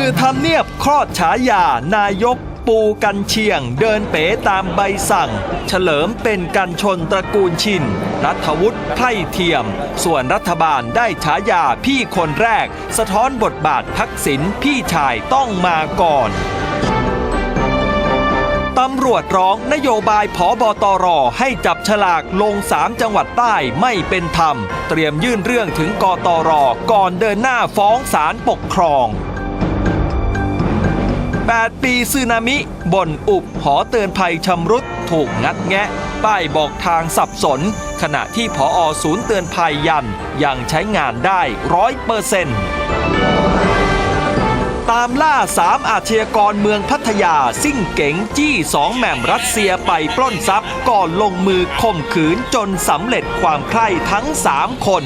คือทำเนียบคลอดฉายานายกปูกันเชียงเดินเป๋ตามใบสั่งเฉลิมเป็นกันชนตระกูลชินรัฐวุฒิไพร่เทียมส่วนรัฐบาลได้ฉายาพี่คนแรกสะท้อนบทบาททักษิณพี่ชายต้องมาก่อนตำรวจร้องนโยบายผบตรให้จับฉลากลง3จังหวัดใต้ไม่เป็นธรรมเตรียมยื่นเรื่องถึงกตรก่อนเดินหน้าฟ้องศาลปกครอง8 ปีสึนามิบ่นอุบหอเตือนภัยชำรุดถูกงัดแงะป้ายบอกทางสับสนขณะที่ผอ.ศูนย์เตือนภัยยันยังใช้งานได้ 100%ตามล่า3อาชญากรเมืองพัทยาซิ่งเก๋งจี้2แหม่มรัสเซียไปปล้นทรัพย์ก่อนลงมือข่มขืนจนสำเร็จความใคร่ทั้ง3คน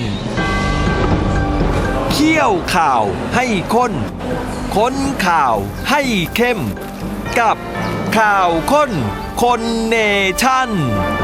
เคี่ยวข่าวให้ข้นค้นข่าวให้เข้มกับข่าวข้นคนเนชั่น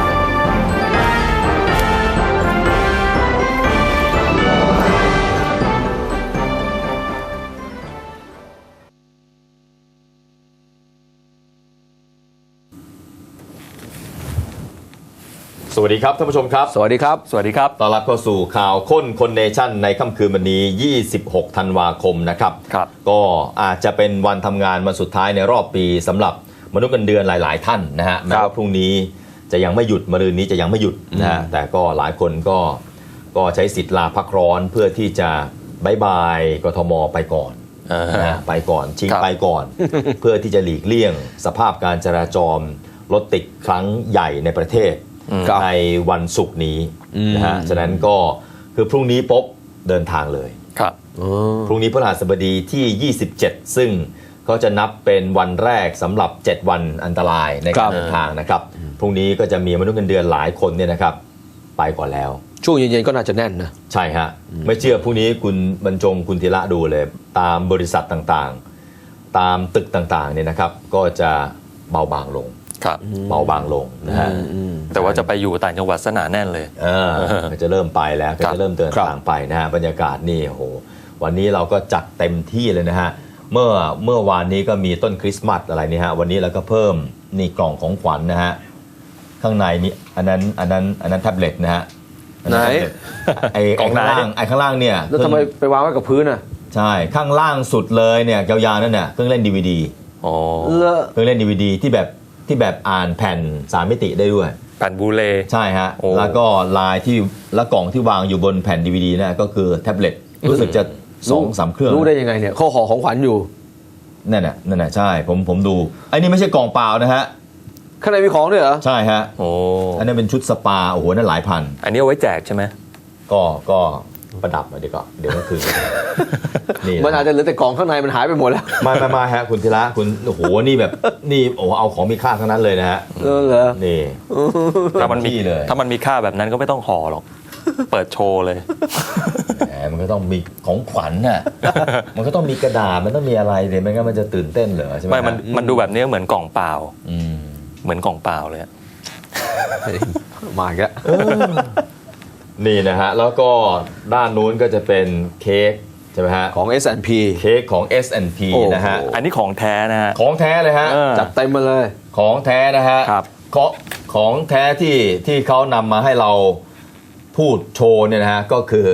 สวัสดีครับท่านผู้ชมครับสวัสดีครับสวัสดีครับต้อนรับเข้าสู่ข่าวข้นคนเนชั่นในค่ำคืนวันนี้26ธันวาคมนะครับก็อาจจะเป็นวันทำงานวันสุดท้ายในรอบปีสำหรับมนุษย์เงินเดือนหลายๆท่านนะฮะแม้ว่าพรุ่งนี้จะยังไม่หยุดมะรืนนี้จะยังไม่หยุดนะฮะแต่ก็หลายคนก็ใช้สิทธิ์ลาพักร้อนเพื่อที่จะบายบายกทมไปก่อนนะไปก่อนชิงไปก่อน เพื่อที่จะหลีกเลี่ยงสภาพการจราจรรถติดครั้งใหญ่ในประเทศในวันศุกร์นี้นะฮะฉะนั้นก็คือพรุ่งนี้ปุ๊บเดินทางเลยครับพรุ่งนี้พฤหัสบดีที่27ซึ่งก็จะนับเป็นวันแรกสำหรับ7วันอันตรายในการเดินทางนะครับพรุ่งนี้ก็จะมีมนุษย์เงินเดือนหลายคนเนี่ยนะครับไปก่อนแล้วช่วงเย็นๆก็น่าจะแน่นนะใช่ฮะไม่เชื่อพรุ่งนี้คุณบรรจงคุณธีระดูเลยตามบริษัทต่างๆตามตึกต่างๆเนี่ยนะครับก็จะเบาบางลงเบาบางลงนะฮะแต่ว่าจะไปอยู่ต่างจังหวัดสนาแน่นเลยก็จะเริ่มไปแล้วก็จะเริ่มเดินทางไปนะฮะบรรยากาศนี่โอ้โหวันนี้เราก็จัดเต็มที่เลยนะฮะเมื่อวานนี้ก็มีต้นคริสต์มาสอะไรนี่ฮะวันนี้เราก็เพิ่มนี่กล่องของขวัญนะฮะข้างในมีอันนั้นแท็บเล็ตนะฮะไหนไอ้ข้างล่างเนี่ยแล้วทำไมไปวางไว้กับพื้นอ่ะใช่ข้างล่างสุดเลยเนี่ยยาวๆนั่นเนี่ยเครื่องเล่น DVD อ๋อเครื่องเล่น DVD ที่แบบอ่านแผ่น3มิติได้ด้วยแผ่นบูเลใช่ฮะแล้วก็ลายที่และกล่องที่วางอยู่บนแผ่น DVD นะก็คือแท็บเล็ตรู้สึกจะ 2-3 เครื่องรู้ได้ยังไงเนี่ยเขาห่อของขวัญอยู่นั่นน่ะใช่ผมดูไอ้นี่ไม่ใช่กล่องเปล่านะฮะข้างในมีของด้วยเหรอใช่ฮะโอ้อันนี้เป็นชุดสปาโอ้โหนั่นหลายพันอันนี้เอาไว้แจกใช่ไหมก็ประดับมาเดี๋ยวก็คือนี่มันอาจจะเหลือแต่กล่องข้างในมันหายไปหมดแล้วมาฮะคุณธีระคุณโอ้โหนี่แบบนี่โอ้เอาของมีค่าทั้งนั้นเลยนะฮะเหรอนี่ถ้ามันมีค่าแบบนั้นก็ไม่ต้องห่อหรอกเปิดโชว์เลยมันก็ต้องมีของขวัญน่ะมันก็ต้องมีกระดาษมันต้องมีอะไรเลยไม่งั้นมันจะตื่นเต้นเหรอใช่ไหมไม่มันดูแบบนี้เหมือนกล่องเปล่าเหมือนกล่องเปล่าเลยมาอีกแล้วนี่นะฮะแล้วก็ด้านนู้นก็จะเป็นเค้กใช่ไหมฮะของ S&P เค้กของ S&P นะฮะอันนี้ของแท้นะฮะของแท้เลยฮะจัดเต็มมาเลยของแท้นะฮะของแท้ที่เขานำมาให้เราพูดโชว์เนี่ยนะฮะก็คือ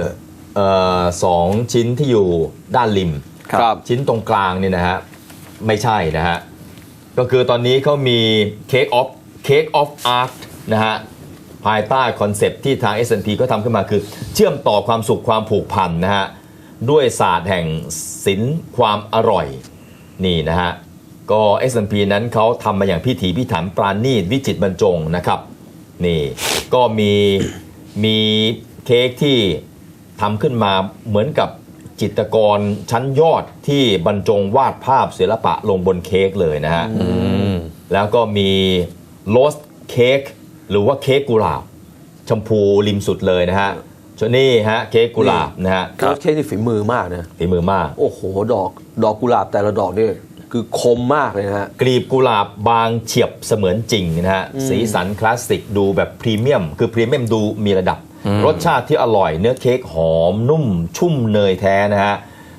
2ชิ้นที่อยู่ด้านริมชิ้นตรงกลางเนี่ยนะฮะไม่ใช่นะฮะก็คือตอนนี้เขามี Cake of Art นะฮะภายใต้คอนเซปต์ที่ทาง S&P ก็ทำขึ้นมาคือเชื่อมต่อความสุขความผูกพันนะฮะด้วยศาสตร์แห่งศิลป์ความอร่อยนี่นะฮะก็ S&P นั้นเขาทำมาอย่างพิถีพิถันปราณีตวิจิตรบรรจงนะครับนี่ก็มีเค้กที่ทำขึ้นมาเหมือนกับจิตรกรชั้นยอดที่บรรจงวาดภาพศิลปะลงบนเค้กเลยนะฮะแล้วก็มีโรสเค้กหรือว่าเค้กกุหลาบชมพูริมสุดเลยนะฮะส่วนนี้ฮะเค้กกุหลาบนะฮะเค้กนี่ฝีมือมากนะฝีมือมากโอ้โหดอกกุหลาบแต่ละดอกนี่คือคมมากเลยนะฮะกลีบกุหลาบบางเฉียบเสมือนจริงนะฮะสีสันคลาสสิกดูแบบพรีเมียมคือพรีเมียมดูมีระดับรสชาติที่อร่อยเนื้อเค้กหอมนุ่มชุ่มเนยแท้นะฮะ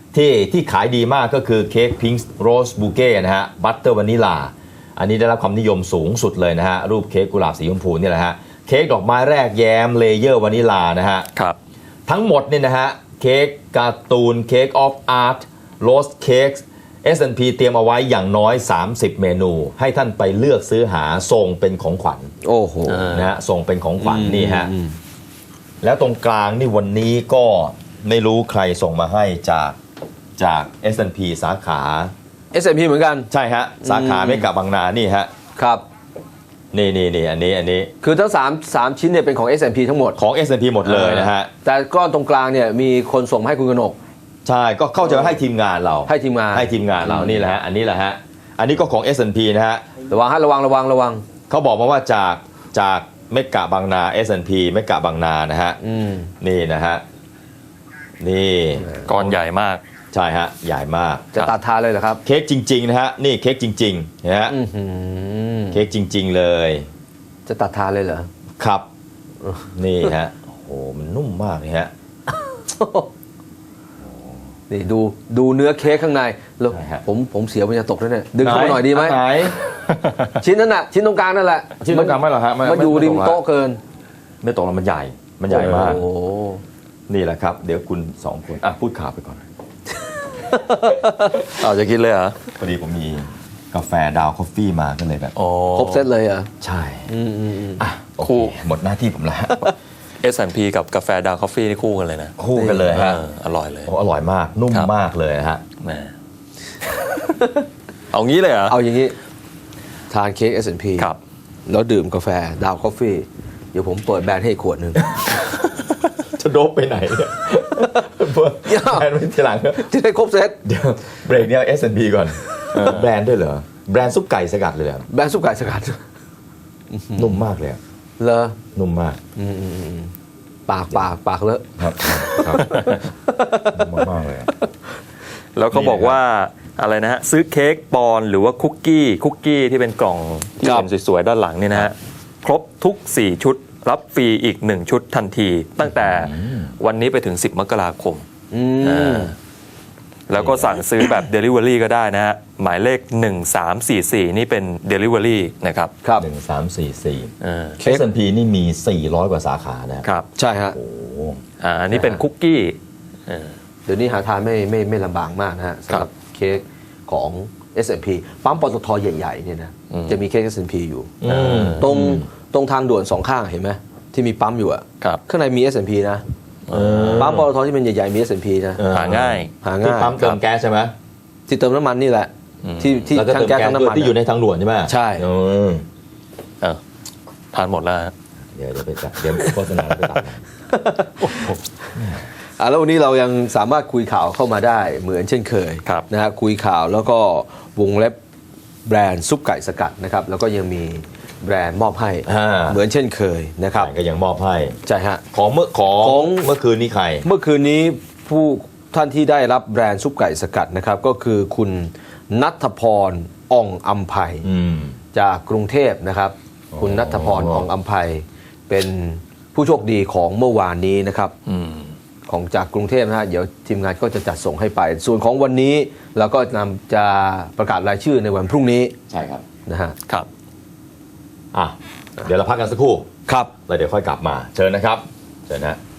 ที่ขายดีมากก็คือเค้กพิงค์โรสบูเก้นะฮะบัตเตอร์วานิลาอันนี้ได้รับความนิยมสูงสุดเลยนะฮะรูปเค้กกุหลาบสีชมพูนี่แหละฮะเค้กดอกไม้แรกแย้มเลเยอร์วานิลานะฮะครับทั้งหมดเนี่ยนะฮะเค้กการ์ตูนเค้กออฟอาร์ตโรสเค้ก S&P เตรียมเอาไว้อย่างน้อย 30 เมนู ให้ท่านไปเลือกซื้อหาส่งเป็นของขวัญโอ้โหนะฮะส่งเป็นของขวัญนี่ฮะแล้วตรงกลางนี่วันนี้ก็ไม่รู้ใครส่งมาให้จาก S&P สาขา S&P เหมือนกันใช่ฮะสาขาเมกะบางนานี่ฮะครับนี่อันนี้คือทั้ง3ชิ้นเนี่ยเป็นของ S&P ทั้งหมดของ S&P หมดเลยนะฮะแต่ก้อนตรงกลางเนี่ยมีคนส่งมาให้คุณกนกใช่ก็เข้าใจว่าให้ทีมงานเราให้ทีมงานเรานี่แหละฮะอันนี้แหละฮะอันนี้ก็ของ S&P นะฮะระวังฮะระวังเขาบอกมาว่าจากเมกะบางนา S&P เมกะบางนานะฮะนี่นะฮะนี่ก้อนใหญ่มากใช่ฮะใหญ่มากจะตัดทานเลยเหรอครับเค้กจริงๆนะฮะนี่เค้กจริงๆนะฮะเค้กจริงๆเลยจะตัดทานเลยเหรอครับนี่ฮะโอ้โหมันนุ่มมากเลยฮะนี่ดูเนื้อเค้กข้างในแล้วใช่ฮะผมเสียวมันจะตกแล้วเนี่ยดึงเข้ามาหน่อยดีไหมไหนชิ้นนั้นน่ะชิ้นตรงกลางนั่นแหละชิ้นตรงกลางไม่หรอฮะมันอยู่ริมโต๊ะเกินไม่ตกแล้วมันใหญ่มากโอ้โหนี่แหละครับเดี๋ยวคุณสองคนพูดข่าวไปก่อนเอาจะคิดเลยเหรอพอดีผมมีกาแฟดาวคอฟฟี่มาก็เลยแบบอ๋อครบเซตเลยเหรอใช่อ่ะโอเคคู่หมดหน้าที่ผมแล้ว S&P กับกาแฟดาวคอฟฟี่นี่คู่กันเลยนะคู่กันเลยฮะอร่อยเลยโอ้อร่อยมากนุ่มครับมากเลยฮะแหม เอางี้เลยเหรอเอาอย่างนี้ ทานเค้ก S&P ครับแล้วดื่มกาแฟดาวคอฟฟี่เดี๋ยวผมเปิดแบรนด์ให้อีกขวดหนึ่งจะโดบไปไหนเนี่ยแบรนด์ไม่ทีหลังจะได้ครบเซตเดี๋ยวเบรกเนี่ย S&P ก่อนแบรนด์ด้วยเหรอแบรนด์ซุปไก่สกัดเลยเหรอแบรนด์ซุปไก่สกัดนุ่มมากเลยอะเลอนุ่มมากปากเลอะครับนุ่มมากเลยอะแล้วเขาบอกว่าอะไรนะฮะซื้อเค้กปอนด์หรือว่าคุกกี้ที่เป็นกล่องที่เป็นสวยๆด้านหลังเนี่ยนะฮะครบทุก 4 ชุด รับฟรีอีก 1 ชุดทันที ตั้งแต่วันนี้ไปถึง 10 มกราคมแล้วก็สั่งซื้อแบบ Delivery ก็ได้นะฮะหมายเลข 1344 นี่เป็น Delivery นะครับครับ 1344 S&P นี่มี 400 กว่าสาขานะครับใช่ฮะโอ้โหอันนี้เป็นคุกกี้เดี๋ยวนี้หาทานไม่ลำบากมากนะฮะสำหรับเค้กของ S&P ปั๊มปตทใหญ่ๆเนี่ยนะจะมีเค้ก S&P อยู่ตรงทางด่วนสองข้างเห็นไหมที่มีปั๊มอยู่อะครับข้างในมี S&P นะปั๊มปตทที่เป็นใหญ่ๆมี S&P นะหาง่ายหาที่ง่ายปั๊มเติมแก๊สใช่ไหมที่เติมน้ำมันนี่แหละ ที่แล้วก็ทั้เติงมแก๊สแก๊สทั้งน้ำมันที่อยู่ในทางด่วนใช่ไหมใช่ทานหมดแล้วฮะเดี๋ยวไปจัดเดี๋ยวโฆษณาไปตัดแล้ววันนี้เรายังสามารถคุยข่าวเข้ามาได้เหมือนเช่นเคยครับนะฮะคุยข่าวแล้วก็วงเล็บแบรนด์ซุปไก่สกัดนะครับแล้วก็ยังมีแบรนด์มอบให้เหมือนเช่นเคยนะครับก็ยังมอบให้ใช่ฮะของเมื่อคืนนี้ใครเมื่อคืนนี้ผู้ท่านที่ได้รับแบรนด์ซุปไก่สกัดนะครับก็คือคุณณัฐพรอ่องอำไพจากกรุงเทพนะครับคุณณัฐพรอ่องอำไพเป็นผู้โชคดีของเมื่อวานนี้นะครับของจากกรุงเทพนะฮะเดี๋ยวทีมงานก็จะจัดส่งให้ไป ส่วนของวันนี้เราก็จะประกาศรายชื่อในวันพรุ่งนี้ใช่ครับนะฮะครับเดี๋ยวเราพักกันสักครู่ครับแล้วเดี๋ยวค่อยกลับมาเชิญนะครับเชิญนะ